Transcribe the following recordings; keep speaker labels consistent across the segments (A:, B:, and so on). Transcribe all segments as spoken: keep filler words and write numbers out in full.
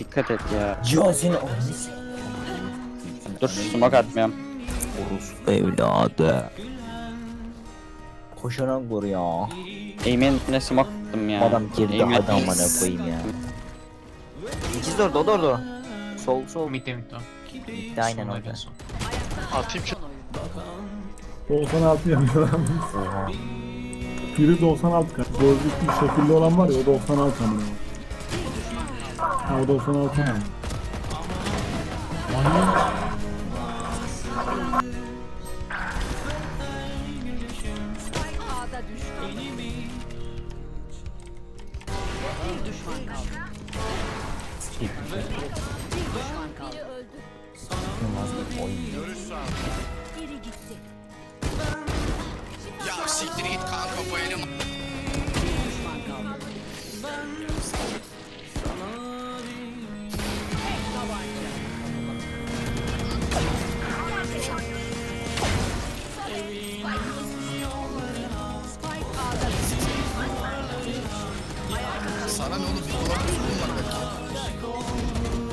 A: Dikkat et ya.
B: Cihazın
A: Dur smoke atmıyorum.
B: orospu evladı. Koşarak vur ya.
A: Aim'e smoke attım ya.
B: Adam girdi
A: Aim'e-
B: hadi amına koyayım ya. İkiz orada o da orada. Sol sol.
C: Mid'de mid'de.
B: Bitti aynen
C: Soldaydı
B: orada.
C: en son.
D: Atayım ki.
E: doksan altı yapıyor lan.
B: Oha.
E: Biri doksan altı kaç. Gözlüklü şekilli olan var ya o doksan altı amına. Ha o doksan altı mı?
F: A'da düştü. Bir düşman kaldı. Bir düşman kaldı. Biri öldü.
B: İnanılmaz bir oyun.
F: Biri gitti.
G: Ya siktir git kanka bu elim.
F: Bir düşman kaldı. Tek tabanca. Spike A'da düştü.
G: Sana ne olur bir dolap üstüm var belki.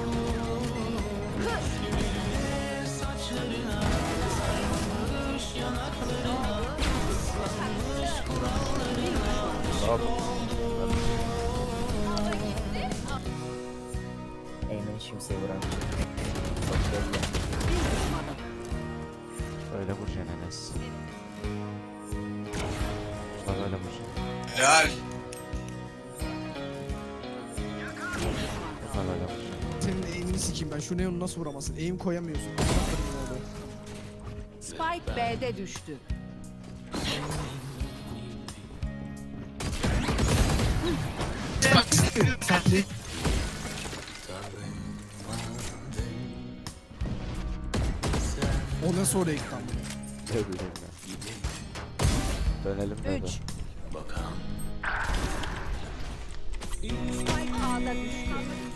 B: Eymen'i kimseye vuramıyor. Çok belli.
H: Öyle vuracaksın Enes. Bak öyle vuracaksın.
G: Helal.
H: Bak öyle vuracaksın.
I: Senin eğimini sikeyim ben. Şu neonu nasıl vuramazsın? Eğim koyamıyorsun. Anlatırım
F: Spike B'de düştü.
I: onu. O nasıl oraya gitti ama?
H: Ne bileyim ben. Dönelim de.
F: Üç. Spike A'da düştü.